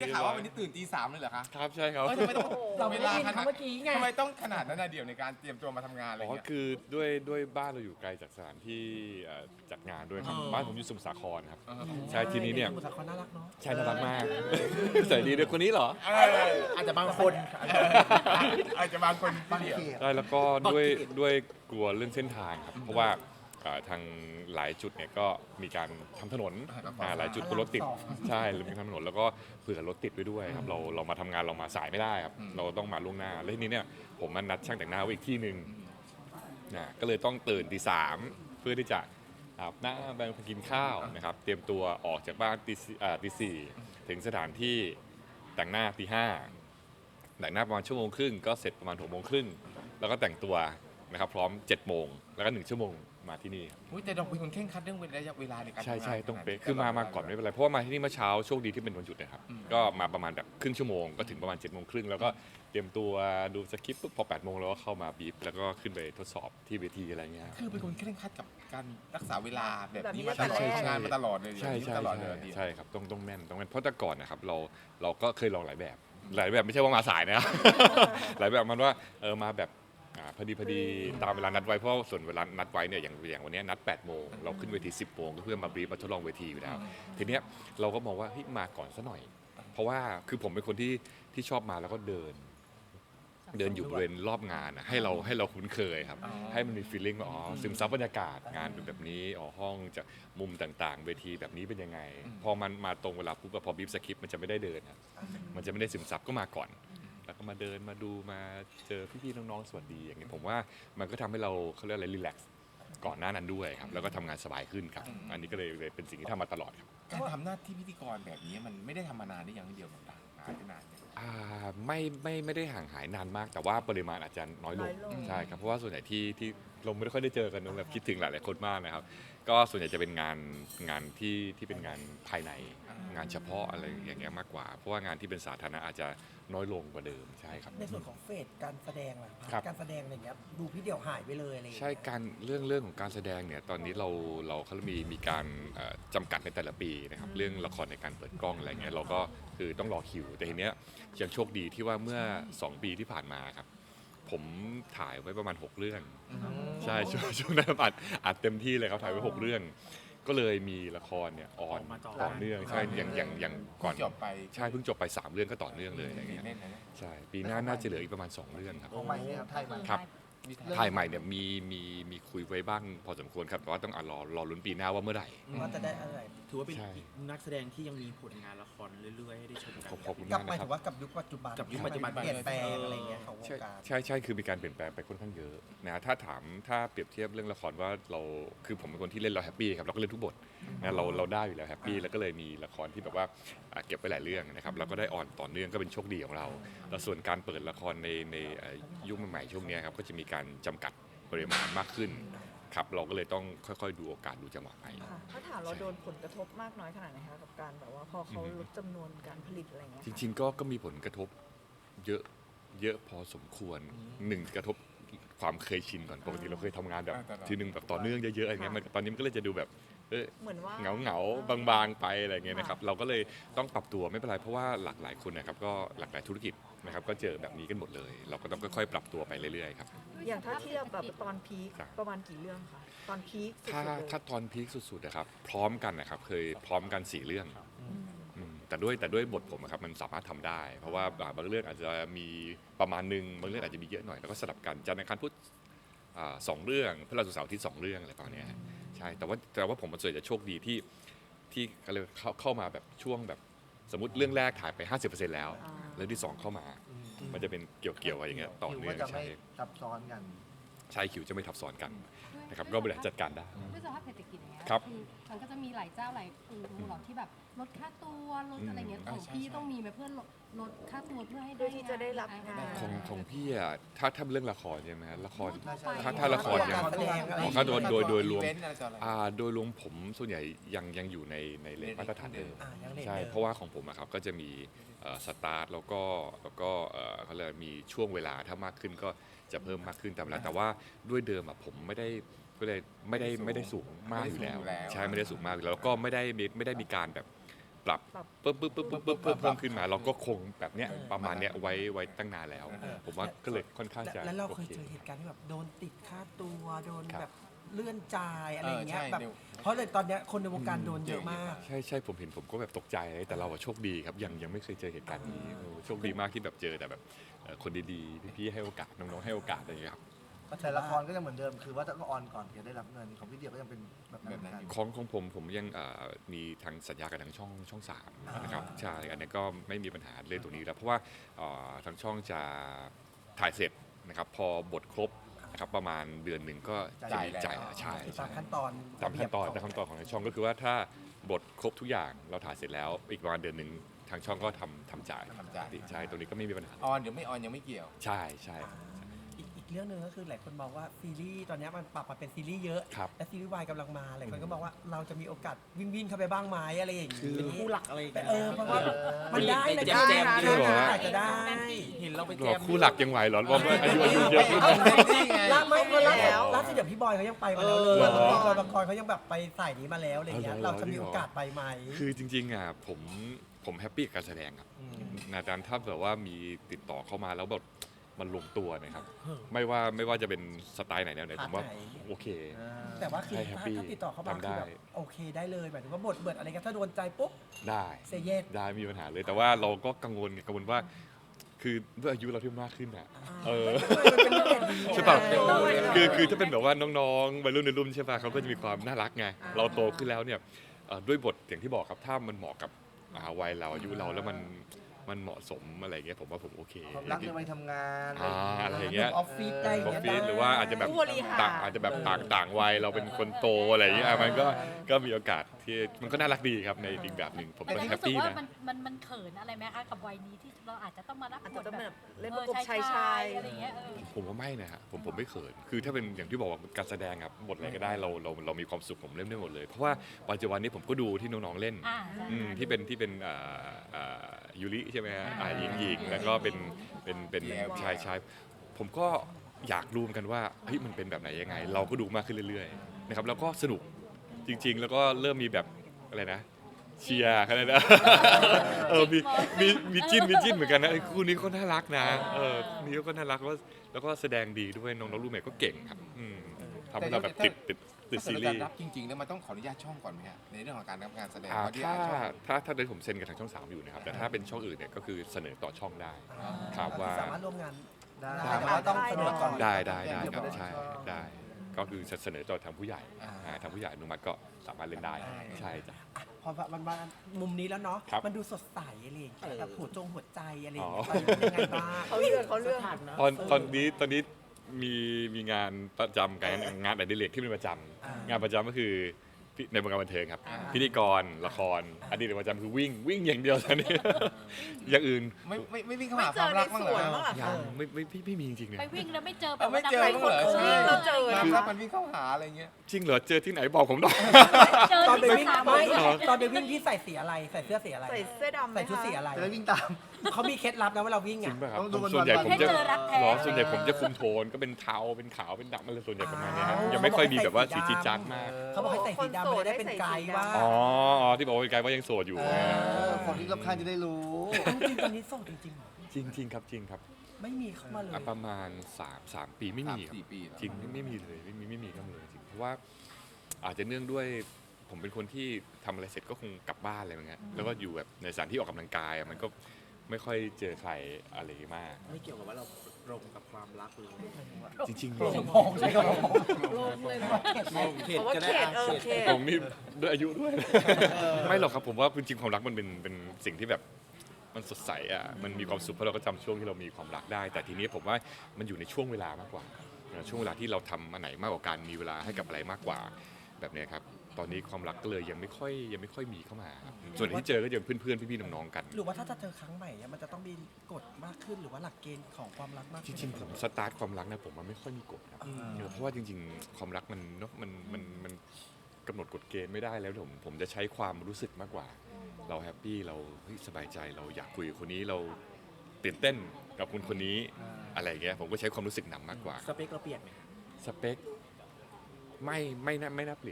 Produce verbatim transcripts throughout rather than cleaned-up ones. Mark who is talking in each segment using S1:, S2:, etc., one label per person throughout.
S1: ได้ข่าวว่าวันนี้ตื่นตีสามเลยเหรอคะ
S2: ครับใช่ครับ
S1: เอ้ยทำไมต้อง
S3: เราไม่ได้ยินเขาเมื่อกี้ไง
S1: ทำไมต้องขนาดนั้นนะเดี๋ยวในการเตรียมตัวมาทำงานอะไร
S2: อ๋อ
S1: เงี้ย
S2: คือด้วยด้วยบ้านเราอยู่ไกลจากสถานที่เอ่อจัดงานด้วยครับ
S1: อ๋อ
S2: บ้านผมอยู่สมุทรสาครครับ
S1: เออ
S2: ใช่ทีนี้เนี่ย
S3: สมุทรสาครน่ารักเนาะ
S2: ใช่น่ารักมากใส่ดีด้วยคนนี้เหรอ
S1: เออ
S3: อาจจะบางคน
S1: อาจจะบางคนบางเดียว
S2: ใช่แล้วก็ด้วยด้วยกลัวเรื่องเส้นทางครับเพราะว่าเอ่อทางหลายจุดเนี่ยก็มีการทำถนนอ่าหลายจุดก็รถติดใช่หรือมีทำถนนแล้วก็เผื่อรถติดไว้ด้วยครับเราเรามาทำงานเรามาสายไม่ได้ครับเราต้องมาล่วงหน้าแล้วทีนี้เนี่ยผมมันนัดช่างแต่งหน้าไว้อีกที่หนึ่งนะก็เลยต้องตื่นตีสามเพื่อที่จะอาบน้ำแปรงฟันกินข้าวนะครับเตรียมตัวออกจากบ้านตีสี่อ่าตีสี่ถึงสถานที่แต่งหน้าตีห้าแต่งหน้าประมาณชั่วโมงครึ่งก็เสร็จประมาณหกโมงครึ่งแล้วก็แต่งตัวนะครับพร้อมเจ็ดโมงแล้วก็หนึ่งชั่วโมงมาที่นี่
S1: อุ๊ยแต่เราเป็นคนเคร่งครัดเรื่องระยะเวลาในการ
S2: ใช่
S1: ทำงาน
S2: ใช่ต้องเป๊ะ
S1: ขนาด
S2: คือมามาก่อนไม่เป็นไรเพราะว่ามาที่นี่เมื่อเช้าโชคดีที่เป็นวันหยุดนะครับ
S1: อืม
S2: ก็มาประมาณแบบครึ่งชั่วโมงก็ถึงประมาณเจ็ดโมงครึ่งแล้วก็เตรียมตัวดูสคริปต์ปุ๊บพอแปดโมงเราก็เข้ามาบีบแล้วก็ขึ้นไปทดสอบที่เวทีอะไรเงี้ย
S1: คือเป็นคนเคร่งครัดกับการรักษาเวลาแบบนี้
S4: แบบนี้
S1: มาตลอด
S4: ใช่ใช่
S1: ทำงานมาตลอดเลย
S2: ใช่ใช่
S1: ตลอด
S2: ใช่
S1: เลย
S2: ใช่ครับต้องต้องแม่นต้องแม่นเพราะแต่ก่อนนะครับเราเราก็เคยลองหลายแบบ หลายแบบไม่ใช่ว่ามาสายนะครับ หลายแบบมันว่าเออมาแบบอ่าพอดีพอดีตามเวลานัดไว้เพราะส่วนเวลานัดไว้เนี่ยอย่างอย่างวันนี้นัดแปดโมงเราขึ้นเวทีสิบโมงก็เพื่อมาบรีฟมาทดลองเวทีอยู่แล้ว ทีเนี้ยเราก็มองว่าเฮ้ยมาก่อนซะหน่อย เพราะว่าคือผมเป็นคนที่ที่ชอบมาแล้วก็เดิน เดินอยู่บริเวณรอบงานอะให้เราให้เราคุ้นเคยครับ ให้มันมีฟีลลิ่งว่าอ๋อซึมซับบรรยากาศงานเป็นแบบนี้อ๋อห้องจากมุมต่างๆ เวทีแบบนี้เป็นยังไง พอมันมาตรงเวลาปุ๊บอะพอบีบสคริปต์มันจะไม่ได้เดินครับมันจะไม่ได้ซึมซับก็มาก่อน แล้วก็มาเดินมาดูมาเจอพี่ๆน้องๆสวัสดีอย่างนี้ผมว่ามันก็ทำให้เราเขาเรียกอะไรรีแลกซ์ก่อนหน้านั้นด้วยครับแล้วก็ทำงานสบายขึ้นครับ อันนี้ก็เลยเลยเป็นสิ่งที่ทำมาตลอดครับ
S1: การทำหน้าที่พิธีกรแบบนี้มันไม่ได้ทำมานานได้อย่างเดียวหรอกนะหายไปนานเนี่ย
S2: อ่าไม่ไม่ไม่ได้ห่างหายนานมาก แต่ว่าปริมาณอาจจะน้อยลง
S4: น้อยลง
S2: ใช่ครับเพราะว่าส่วนใหญ่ที่ที่เราไม่ได้ค่อยได้เจอกันนะแบบคิดถึงหลายๆคนมากนะครับ ก็ส่วนใหญ่จะเป็นงานงานที่ที่เป็นงานภายในงานเฉพาะอะไรอย่างเงี้ยมากกว่า เพราะว่างานที่เป็นสาธารณะอาจจะน้อยลงกว่าเดิมใช่ครับ
S3: ในส่วนของเฟสการแสดงล่ะ
S2: ครับ
S3: การแสดงอะไรเงี้ยดูพี่เดี่ยวหายไปเลยอะไรอย่าง
S2: ใช่
S3: เงี้ย
S2: การเรื่องเรื่องของการแสดงเนี่ยตอนนี้เราเราเขามีมีการเอ่อจำกัดในแต่ละปีนะครับเรื่องละครในการเปิดกล้องอะไรเงี้ยเราก็คือต้องรอคิว แต่ทีเนี้ยยังโชคดีที่ว่าเมื่อสองปีที่ผ่านมาครับผมถ่ายไว้ประมาณหกเรื่องใช่ช่วงช่วงนั้นอัดอัดเต็มที่เลยครับถ่ายไว้หกเรื่อง ก็เลยมีละครเนี่ยออนต่อเนื่องใช่อย่างอย่างอย่างก่อน
S1: จบไป
S2: ใช่เพิ่งจบไปสามเรื่องก็ต่อเนื่องเลยอะไรเงี้ย
S1: เล่นนะเนี่ย
S2: ใช่ปีหน้าน่าจะเหลืออีกประมาณสองเรื่องครับ
S3: ของใหม่เนี่ยครับไทยใหม่
S2: ครับ
S1: มี
S2: ถ่ายใหม่เนี่ยมีมีมีคุยไว้บ้างพอสมควรครับแต่ว่าต้องอ่ะรอรอลุ้นปีหน้าว่าเมื่อไหร่
S3: ว่าจะได้อะไร
S5: ถือว่าเป็น
S2: ใช่
S5: อีกนักแสดงที่ยังมีผลงานละครเรื่อยๆ ให้ได้ชมกัน
S2: ขอบขอบคุณ
S3: กลั
S2: มา
S3: บ
S2: ก
S3: ไป
S2: นะค
S3: ถื
S2: รับ
S3: อว่ากับยุคปัจจุบัน
S5: กับยุคปัจจุบัน
S3: เปลี่ยนแปลงอะไรเงี้ยของว
S2: ใช่
S3: งการ
S2: ใช่ใช่คือมีการเปลี่ยนแปลงไปค่อนข้างเยอะนะถ้าถามถ้าเปรียบเทียบเรื่องละครว่าเราคือผมเป็นคนที่เล่นเราแฮปปี้ครับเราก็เล่นทุกบทนะเราเราได้อยู่แล้วแฮปปี้แล้วก็เลยมีละครที่แบบว่าอ่ะเก็บไว้หลายเรื่องนะครับแล้วก็ได้ออนต่อเนื่องก็เป็นโชคดีของเราแล้วส่วนการเปิดละครในในเอ่อยุคใหม่ๆช่วงเนี้ยครับก็จะมีการจำกัดปริมาณมากขึ้นครับเราก็เลยต้องค่อยๆ ดูโอกาสดูจังหวะไป
S4: ค่ะถ้าถามเราโดนผลกระทบมากน้อยขนาดไหนคะกับการแบบว่าพอเขาลดจำนวนการผลิตอะไรเงี้ย
S2: จริงๆก็ก็มีผลกระทบเยอะเยอะพอสมควรหนึ่งกระทบความเคยชินก่อนปกติเราเคยทำงานแบบ
S1: อ่าตลอด
S2: ทีหนึ่งแบบต่อเนื่องเยอะๆอย่างเงี้ยมันตอนนี้มันก็เลยจะดูแบบเออ
S4: เหมือนว่า
S2: เหงาเหงาๆบางๆไปอะไรเงี้ยนะครับเราก็เลยต้องปรับตัวไม่เป็นไรเพราะว่าหลากหลายคนนะครับก็หลากหลายธุรกิจนะครับก็เจอแบบนี้กันหมดเลย เราก็ต้องค่อยๆปรับตัวไปเรื่อยๆครับ
S4: อย่างถ้าเทียบแบบตอนพีค
S2: ครับ
S4: ประมาณกี่เรื่องคะตอนพีคสุด
S2: ถ้า
S4: ๆเลย
S2: ถ้าตอนพีคสุดๆนะครับพร้อมกันนะครับเคยพร้อมกันสี่เรื่อง
S4: อืม
S2: อืมแต่ด้วยแต่ด้วยบทผมอะครับมันสามารถทำได้ เพราะว่าอ่าบางเรื่องอาจจะมีประมาณหนึ่งบางเรื่องอาจจะมีเยอะหน่อยแล้วก็สลับกันจันทร์อังคารพุธอ่าสองเรื่องพฤหัสศุกร์เสาร์อาที่สองเรื่องอะไรประมาณเนี้ยฮะใช่แต่ว่าแต่ว่าผมมันส่วนใหญ่จะโชคดีที่ที่เขาเรียกว่าเข้าเข้ามาแบบช่วงแบบสมมติเรื่องแรกถ่ายไป ห้าสิบเปอร์เซ็นต์ แล้ว
S4: อ่า
S2: เรื่องที่สองเข้ามา มันจะเป็นเกี่ยวเกี่ยวอะไรอย่างเงี้ยต่อเนื่อง
S3: คิวก็จะ
S2: ใช่
S3: ไม่ซับซ้อนกัน
S2: ใช่คิวจะไม่ทับซ้อนกันนะครับก็บริหารจัดการได้
S6: ด้วยสภาพเศรษฐกิจอย่างเงี้ย
S2: ครับ
S6: อมันก็จะมีหลายเจ้าหลายกลุ่มหรอกที่แบบลดค่าตัวลดอะไรเงี้ย
S2: อืม
S6: ของพี่ต้องมีไหมเพื่อลดลดค่าตัวเพื่อให้
S4: เพื่อที่จะได้รับงาน
S2: ของของพี่อะถ้าถ้าเรื่องละครใช่ไหมฮะละคร
S6: ทั่วไป
S2: ถ้าถ้าละครยัง
S3: การแสดงอะไร
S2: ถ้าโดยโดยโดยรวม
S1: อีเวนต์อะไรต่ออะไร
S2: อ่าโดยรวมผมส่วนใหญ่ยังยังอยู่ในในเลทมาตรฐานเดิม
S3: อ่ายังเด็ก
S2: ใช่
S3: ดิม
S2: เพราะว่าของผมอะครับก็จะมีสตาร์ทแล้วก็แล้วก็เอ่อเขาเรียกมีช่วงเวลาถ้ามากขึ้นก็จะเพิ่มมากขึ้นตามเวลาแต่ว่าด้วยเดิมอะผมไม่ได้ก็เลยไม่ได้ไม่ได้สูงมากอยู่แล้ว
S1: ไม่ได้สูงอยู่แล้ว
S2: ใช่ไม่ได้สูงมากอยู่แล้วแล้วก็ไม่ได้มีไม่ได้มีการแบบปรับ
S4: ปรับ
S2: ปึ๊บปึ๊บปึ๊บปึ๊บปึ๊บปึ๊บเพิ่มขึ้นมาเราก็คงแบบเนี้ยประมาณเนี้ยไว้ไว้ตั้งนานแล้ว
S3: เออ
S2: ผมว่าก็เลยค่อนข้างจะ
S3: แล้วเราเคย
S2: โอ
S3: เจอเหตุการณ์ที่แบบโดนติดค่าตัวโดน
S2: ครับ
S3: แบบเลื่อนจ่ายอะไรอย่างเงี้ย
S1: เออใช่
S3: แบบ
S1: เดี๋ยว
S3: เพราะเลยตอนเนี้ยคนในวงการโดนเยอะมาก
S2: ใช่ใช่ผมเห็นผมก็แบบตกใจแต่เราอะโชคดีครับยังยังไม่เคยเจอเหตุการณ์นี้เออโชคดีมากที่แบบเจอแต่แบบเอ่อคนดีๆพี่ๆให้โอกาสน้องๆให้โอกาสอะไรอย่างเงี้ยครับ
S3: แต่ละครก็ยังเหมือนเดิมคือว่าต้องออนก่อนถึงจะได้รับเงินของพี่เดียวก็ยังเป็นแบบนั้นเหมือนกัน
S2: ของของผมผมยังเอ่อมีทางสัญญากับทางช่องช่องสามนะครับใช่อันนี้ก็ไม่มีปัญหาเรื่องตรงนี้แล้วเพราะว่าเอ่อทางช่องจะถ่ายเสร็จนะครับพอบทครบนะครับประมาณเดือนหนึ่งก็จะมี
S1: จ่าย
S2: จ่าย
S1: แล้ว
S2: ใช่
S3: ตา
S2: ใช่
S3: มขั้นตอน
S2: ตามขั้นตอนตามขั้นตอนของทางช่องก็คือว่าถ้าบทครบทุกอย่างเราถ่ายเสร็จแล้วอีกประมาณเดือนหนึ่งทางช่องก็ทำทำจ่าย
S1: ทำจ่าย
S2: ใช่ตรงนี้ก็ไม่มีปัญหา
S1: ออนหรือไม่ออนยังไม่เกี่ยว
S2: ใช่ใช่
S3: อีกอีกเรื่องหนึ่งก็คือหลายคนมองว่าซีรีส์ตอนเนี้ยมันปรับมาเป็นซีรีส์เยอะ
S2: ครับ
S3: และซีรีส์วายกำลังมาหลายคนก็บอกว่าเราจะมีโอกาสวิ่งวิ่งเข้าไปบ้างไหมอะไรอย่าง
S2: คือ
S3: นี้
S5: เป็นคู่หลักอะไรอย่างเงี้ย
S3: เออเพราะว่ามันได้นะ
S5: แจ
S3: จ๊ะ
S5: มแจม
S3: นะ
S2: จริงเหรอ
S3: อาจจะได้
S5: เห็นเราไป
S2: ห
S5: แจ
S2: รอ
S5: ม
S2: คู่หลักยังไหวเหรอว่าอายุอายุเยอะขึ้น
S3: ล่าไม่
S4: เขามี
S3: ล่า
S4: แล้ว
S3: ล่าสุดเดี๋ยวพี่บอยเขายังไปมาแล้วเลย
S2: เหรอ
S3: บอยบางกรเขายังแบบไปสายนี้มาแล้วอะไรเงี้ย
S2: อ๋อเหรอ
S3: เราจะมีโอกาสไปไหม
S2: คือจริงๆอ่ะผมผมแฮปปี้กับการแสดงครับ
S3: ม
S2: นาดานถ้าแบบว่ามีติดต่อเข้ามาแล้วแบบมันลงตัวนะครับ
S3: เออ
S2: ไม่ว่าไม่ว่าจะเป็นสไตล์ไหนแนวไหน
S3: พาร์ท
S2: ผมว่า
S3: ไหน
S2: โอเค
S3: แต่ว่าคือ
S2: ใช่
S3: ถ้า
S2: happy
S3: ถ้าติดต่อเข้ามา
S2: ทำได้
S3: คือแบบโอเคได้เลยหมายถึงว่าบทเบิดอะไรกันถ้าโดนใจปุ๊บ
S2: ได้
S3: เซเยส
S2: ได้ไม่มีปัญหาเลย แต่ว่าเราก็กังวลกังวลว่า คือด้วยอายุเราที่มากขึ้นอ่ะ เออ
S3: มันเป็นเรื่องดี
S2: ใช่ป่ะ
S3: เออ
S2: คือคือถ้าเป็นแบบว่าน้องๆวัยรุ่นในรุ่นใช่ป่ะเขาก็จะมีความน่ารักไง เราโตขึ้นแล้วเนี่ยเอ่อด้วยบทอย่างที่บอกครับถ้ามันเหมาะกับอ่าวัยเราอายุเราแล้วมันมันเหมาะสมอะไรอย่างเงี้ยผมว่าผมโอเค
S3: ความรักในวัยทำงาน
S2: อ่าอะไรอย่างเงี้ย
S3: ออฟฟิศได้
S2: ออฟ
S3: เงี้ย
S2: ฟิศหรือว่าอาจจะแบบ
S4: ผู้บริหาร
S2: ต่างอาจจะแบบต่างต่างวัยเราเป็นคนโตอะไรอย่างเงี้ยอ่ะมันก็ก็มีโอกาสที่มันก็น่ารักดีครับในอีกแบบหนึ่งผม
S6: แต่
S2: ก็
S6: รู้
S2: แฮป
S6: สึก
S2: ปี้
S6: ว่า
S2: นะ
S6: มันมันมันเขินอะไรไหมคะกับวัยนี้ที่เราอาจจะต้องมารับ
S4: อาจ
S6: บ
S4: จะ
S6: ท
S4: ต้อง
S6: แบ
S4: แบบ บเล่นประกบ
S6: ออ
S4: ชายชาย
S6: อะไรอย่างเงี้ยเออ
S2: ผมว่าไม่นะฮะผมผมไม่เขินคือถ้าเป็นอย่างที่บอกว่าการแสดงครับบทอะไรก็ได้เราเราเรามีความสุขผมเล่นได้หมดเลย เพราะว่าปัจจุบันนี้ผมก็ดูที่น้องๆเล่น
S6: อ่าใช่
S2: อืมที่เป็นที่เป็นอ่าอ่ายูริใช่ไหมฮะอ่าหญิงหญิงแล้วก็เป็นเป็นเป็น
S1: แย่
S2: ชายชายผมก็อยากรู้เหมือนกันว่าเฮ้ยมันเป็นแบบไหนยังไง เราก็ดูมากขึ้นเรื่อยๆนะครับแล้วก็สนุกจริง ๆ แล้วก็เริ่มมีแบบอะไรนะเชียร์กันเลยนะ เออมีมีมีจิ้นมีจิ้นเหมือนกันนะไอ้คู่นี้ก็น่ารักนะเออคู่นี้ก็น่ารักแล้วก็แล้วก็แสดงดีด้วยน้องๆรูปเมทก็เก่งครับอืมทำให้เราแบบติดติดติด
S1: ถ้า
S2: ซี
S1: เกิด
S2: รี
S1: เราจะ
S2: ส์
S1: รับจริงๆแล้วมันต้องขออนุญาตช่องก่อนไหมฮะในเรื่องของการรับงานแสดง
S2: อ่า
S1: เพระที่
S2: ถ้า
S1: ช่อง
S2: ถ้าถ้าได้ผมเซ็นกับทางช่องสามอยู่นะครับแต่ถ้าเป็นช่องอื่นเนี่ยก็คือเสนอต่อช่องได้ ครับว่า
S3: สามารถร่วมงานได้
S2: ได้
S3: แต่ว่าต้องเสนอก่อน
S2: ได้ได้ได้
S3: เยว
S2: ครับ
S3: ม่
S2: ใช่
S3: ชอบ
S2: ได้ ก็คือเสนอต่อทางผู้ใหญ่
S1: อ่า
S2: อ่าทางผู้ใหญ่อนุมัติก็สามารถเล่นได้ใช่จ้ะ
S3: พอมันมามุมนี้แล้วเนาะ
S2: ครับ
S3: มันดูสดใสอะไรอย่างเงี้ยแบบหัวจงหัวใจอะไรอย่าง
S2: อ๋
S3: เงี้
S2: อ
S3: ยตอนนี้เป็นยังไงบ้าง
S4: เขาเลือกเขาเลือก
S2: ตอนตอนนี้ตอนนี้มีมีงานประจำกันงานอดิเรกที่เป็นประจำงานประจำก็คือพิในวงการบันเทิงครับ พิธีกรละครอดีตประจำคือวิ่งวิ่งอย่างเดียวตอนนี้ อย่างอื่น
S1: ไม่ไม่ไม่วิ่งเข้า
S4: ไม่
S1: หา
S4: เจ
S1: ควา
S4: อ
S1: ม
S4: ใน
S1: รักบ้าง
S4: ส
S1: เหร
S4: วน
S1: อ
S4: บ้างเหรอ
S2: ยั
S4: คะ
S2: งไม่ไม่พี่พี่มีจริงๆเนี่ย
S6: ไปวิ่งแล้วไม่เจอแบ
S1: เอบ อไม่
S6: ว่า
S1: เจอ
S6: นัก
S1: บ้างเหรอ
S6: วิ่ง
S1: ใช่
S4: เราเจอ
S1: ความ
S4: นะ
S1: รักมันวิ่งเข้าหาอะไรเงี้ย
S2: จริงเหรอเจอที่ไหนบอกผมหน่อย
S6: เจอ
S3: ตอนไป
S6: ที่
S3: วิ่ง
S6: สนาม
S3: ไม่
S6: บิน
S3: ตอนไปวิ่งที่ใส่สีอะไรใส่เสื้อสีอะไร
S4: ใส่เสื้อดำไหม
S3: ใส่ชุดสี
S4: คะ
S3: อะไรจะได้วิ่งตามเขามีเคล็ดลับนะเวลาวิ่ง
S2: จริ
S3: อ่ะ
S2: งป่ะครับ
S3: ต้องดู
S2: ผม
S3: วัน
S2: ส่วนใหญ่
S3: วัน
S2: ผม
S6: ให้
S2: จะ
S6: เจอรักแท้
S2: หรอส่วนใหญ่ผมจะคุมโทนก็เป็นเทาเป็นขาวเป็นดำอะไรส่วนใหญ่ประมาณเนี้ยฮะ
S3: อ้าว
S2: ยังไม่ค่อยมีแบบว่าสีจีดจัดมาก
S3: เขาบอกให้ใส่สีดำไม่ได้เป็นไกด์ว่า
S2: อ๋ออ๋อที่บอกว่าเป็นไกด์ว่ายังโสดอยู่
S3: เอ
S2: ไง
S3: อคนที่รอบข้างจะได้รู้จริงๆตอนนี้โสดจริงๆเหรอ
S2: จริงจริงครับจริงครับ
S3: ไม่มีเข้ามาเลย
S2: อ่ะประมาณสามสามปีไม่
S1: สาม
S2: มีครับ
S1: สี่ปีแล้ว
S2: จริงไม่ไม่มีเลยไม่มีไม่มีเข้ามาเลยจริงเพราะว่าอาจจะเนื่องด้วยผมเป็นคนที่ทำอะไรเสร็จก็คงกลับบ้านอะไรอย่างเงี้ยแล้วก็อยู่แบบในสถานที่ออกกำลังกายอ่ะมันก็ไม่ค่อยเจอใครอะไรมาก
S5: ไม่เกี่ยวกับว่าเราตรงกับความรักเลย
S2: จริงๆ
S3: โรงพยาบาลใช่ครับ
S5: เข็ด
S4: เพราะว่า
S5: ก็
S4: เข
S5: ได้
S4: ตเออเขต
S2: ผมนี่ด้วยอายุด้วย ไม่หรอกครับผมว่าจริงๆความรักมันเป็นเป็นสิ่งที่แบบมันสดใสอ่ะมันมีความสุขเพราะเราก็จำช่วงที่เรามีความรักได้ แต่ทีนี้ผมว่ามันอยู่ในช่วงเวลามากกว่านะช่วงเวลาที่เราทำอันไหนมากกว่าการมีเวลาให้กับอะไรมากกว่าแบบเนี้ยครับตอนนี้ความรักก็เลยยังไม่ค่อยยังไม่ค่อยมีเข้ามาครับส่วนที่เจอก็จะเป็นเพื่อนๆพี่ๆน้องๆกัน
S3: หรือว่าถ้าจะเจอครั้งใหม่เนี่ยมันจะต้องมีกฎมากขึ้นหรือว่าหลักเกณฑ์ของความรักมาก
S2: จ
S3: ขึ้น
S2: ริงๆผมสตาร์ทความรักนะผมมันไม่ค่อยมีกฎครับ
S3: อืม
S2: เออเพราะว่าจริงๆ ความรักมันเนาะมันมันมันกำหนดกฎเกณฑ์ไม่ได้แล้วผมผมจะใช้ความรู้สึกมากกว่า เราแฮปปี้เราเฮ้ยสบายใจเราอยากคุยกับคนนี้เราตื่นเต้นกับคนคนนี้อะไรอย่างเงี้ยผมก็ใช้ความรู้สึกนำมากกว่า
S5: สเปคเราเปลี่ยนไหมคะ
S2: สเปคไม่ไม่น่าไม่น่าเปลี่ยน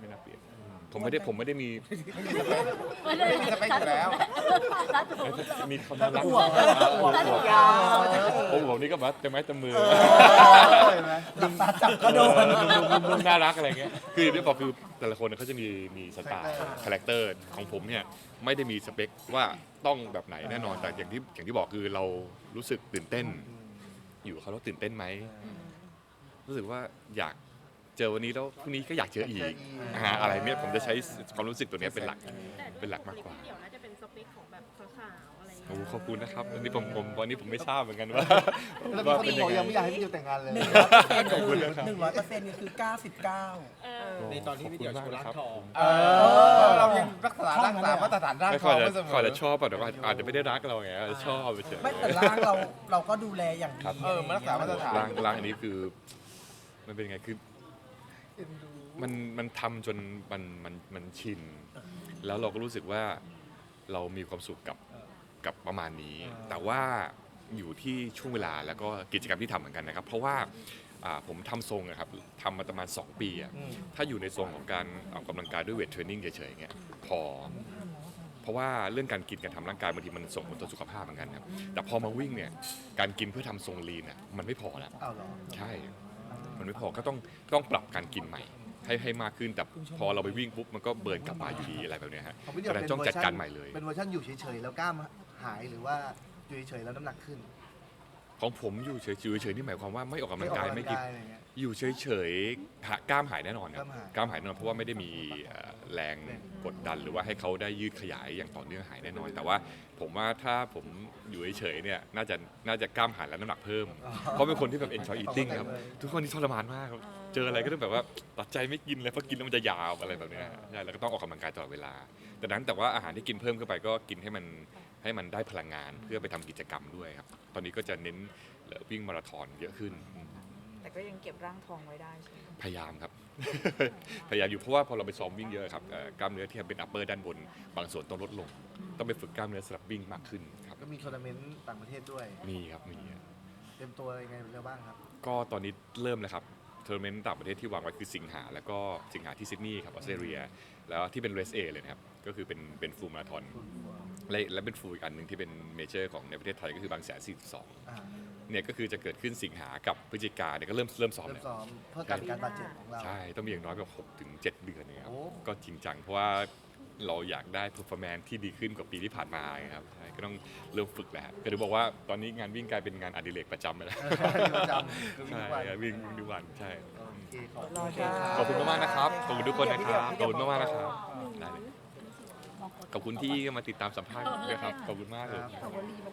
S2: ไม่น่าเปลี่ยนผมไม่ได้ผมไม่ได้มี
S1: ไม่มีสเปคอยู่แล้ว
S2: มีความน่ารัก
S3: อวบอวบอวบ
S4: ยาว
S2: โอ้โหนี่ก็แบบเต็มไม้เต็มมือ
S3: เห็นไหมหลับตาจับก็โดน
S2: นุ่มๆน่ารักอะไรเงี้ยคือที่บอกคือแต่ละคนเขาจะมีมีสไตล์คาแรคเตอร์ของผมเนี่ยไม่ได้มีสเปคว่าต้องแบบไหนแน่นอนแต่อย่างที่อย่างที่บอกคือเรารู้สึกตื่นเต้น อยู่กับเขาแล้วตื่นเต้นไหมรู้สึกว่าอยากเจอวันนี้แล้วพรุ่งนี้ก็อยากเจออีกอ่าอะไรเนี่ยผมจะใช้ความรู้สึกตัวเนี้ยเป็นหลักเป็นหลักมากกว่า
S7: เดี๋ยวน่าจะเป็นสเปคของแบบสาวๆอะไรอย่าง
S2: โอ้
S7: เงี้ย
S2: ขอบคุณนะครับวันนี้ผมผมวันนี้ผมไม่ทราบเหมือนกันว่า
S3: แล้ว
S2: ว่า
S3: มีคน
S2: เป็น
S3: บ
S2: ยั
S3: อก
S2: งไง
S3: ยังไม่อยากให้พี่ดิวแต่งงานเลย
S8: หนึ่งร้อยเปอร์เซ็นต์
S2: ขอบคุณ
S8: คือ
S2: นะครับ
S8: หนึ่งร้อยเปอร์เซ็นต์นี่คือเก้าสิบเก้า
S7: เออ
S5: ในตอนที่พี่เดี่ยวโชว์ร่างทอง
S1: เออเรายังรักษารักษามาตรฐานร่าง
S2: ไม่
S1: ท
S2: ค่
S1: อ
S2: อง ย
S1: ไว้
S2: จะ
S1: เสม
S2: ค่อย
S1: อ
S2: จะชอบอะแต่ว่าอาจจะไม่ได้รักเราไงชอบไปเฉย
S8: ไม่แต่ร่างเราเราก็ดูแลอย่างดี
S1: เออมันรักษามาตรฐาน
S2: ร่างร่างอันนี้คือมันเป็นไงคือมันมันทำจนมันมันมันชิน แล้วเราก็รู้สึกว่าเรามีความสุขกับกับประมาณนี้ แต่ว่าอยู่ที่ช่วงเวลาแล้วก็กิจกรรมที่ทำเหมือนกันนะครับ เพราะว่าอ่าผมทำทรงอะครับทำมาประมาณสองปีอะถ้าอยู่ในทรงของการออกกำลังกายด้วยเวทเทรนนิ่งเฉยๆเงี้ยพอ เพราะว่าเรื่องการกินการทำร่างกายบางทีมันส่งผลต่อสุขภาพเหมือนกันครับแต่พอมาวิ่งเนี่ยการกินเพื่อทำทรงลีนอะมันไม่พอแล้ว
S3: อ้าวเหรอ
S2: ใช่ มันไม่พอก็ต้องต้องปรับการกินใหม่ ให้ให้มากขึ้นแต่พอเราไปวิ่งปุ๊บมันก็เบิร์นกลับมาอยู่ดีอะไรแบบเนี้ยฮะ
S3: ของพี่เดี
S2: แต่
S3: ยวเป็น
S2: ต้อง
S3: เวอ
S2: จัด
S3: ร์ชั
S2: การ
S3: น
S2: ใหม่เลย
S3: เป็นเวอร์ชันอยู่เฉยๆแล้วกล้ามหายหรือว่าอยู่เฉยๆแล้วน้ำหนักขึ้น
S2: ของผมอยู่เฉยๆอยู่เฉยๆนี่หมายความว่าไม่ออกกำลังกายไม่กิน
S3: อะไรเงี้ย
S2: อยู่เฉยๆหากล้ามหายแน่นอนครับ
S3: กล้ามหาย
S2: กล้ามหายแน่นอนเพราะว่าไม่ได้มีเอ่อแรงกดดันหรือว่าให้เขาได้ยืดขยายอย่างต่อเนื่องหายแน่นอน แต่ว่าผมว่าถ้าผมอยู่เฉยๆเนี่ยน่าจะน่าจะกล้ามหายและน้ำหนักเพิ่ม เพราะเป็นคนที่แบบ enjoy eating ครับทุกคนที่ทรมานมากครับเจออะไรก็ต้องแบบว่าตัดใจไม่กินเลยเพราะกินแล้วมันจะยาวอะไรแบบเนี้ยใช่แล้วก็ต้องออกกำลังกายตลอดเวลาแต่นั้นแต่ว่าอาหารที่กินเพิ่มเข้าไปก็กินให้มันให้มันได้พลังงานเพื่อไปทำกิจกรรมด้วยครับตอนนี้ก็จะเน้นวิ่งมาราธอนเยอะขึ้น
S4: แต่ก็ยังเก็บร่างทองไว้ได้ใช่ไหม
S2: พยายามครับ พยายามอยู่เพราะว่าพอเราไปซ้อมวิ่งเยอะครับเอ่อกล้ามเนื้อที่เป็น upper ด้านบน บางส่วนต้องลดลง ต้องไปฝึกกล้ามเนื้อสำหรับวิ่งมากขึ้นครับ
S3: ก็มีทัวร์นาเมนต์ต่างประเทศด้วย
S2: มีครับมี
S3: เต็มตัวยังไงแล้วบ้างครับ
S2: ก็ตอนนี้เริ่มแล้วครับทัวร์นาเมนต์ต่างประเทศที่วางไว้คือสิงหาแล้วก็สิงหาที่ซิดนีย์ครับออสเตรเลียแล้วที่เป็นเรสเอเลยนะครับก็คือเป็นเป็นฟูลมาราธอนและและเป็นฟูลอีกอันหนึ่งที่เป็นเมเจอร์ของในประเทศไทยก็คือบางแสนสี่สิบสอง
S3: อ่า
S2: เนี่ยก็คือจะเกิดขึ้นสิงหากับพฤศจิกาเนี่ยก็เริ่มเริ่มซ้อม
S3: เริ่ม
S2: แล้ว
S3: ซ้อมเพื่อการการบาดเจ็บของเรา
S2: ใช่ ต้องมีอย่างน้อยแบบหกถึงเจ็ดเดือนเนี่ยครับ
S3: โอ้
S2: ก็จริงจังเพราะว่าเราอยากได้ performance ที่ดีขึ้นกว่าปีที่ผ่านมาไงครับใช่ก็ต้องเริ่มฝึกแล้วก็ถึงบอกว่าตอนนี้งานวิ่งกลายเป็นงานอดิเรกประจำไปแล้ว
S3: ประจำคือวิ่ง
S2: ใช่
S3: ทุกวัน
S2: ครับวิ่งวิ่งทุกวันใช่
S3: โอเคขอบ
S4: รอ
S3: คุณ
S4: จ้า
S2: ขอบคุณมากๆนะครับ ขอบคุณทุกคนนะครับ ขอบคุณมากๆนะครับได้เลยขอบคุณที่มาติดตามสัมภาษณ์ด้วยครับ ขอบคุณมากเลย
S3: ครับ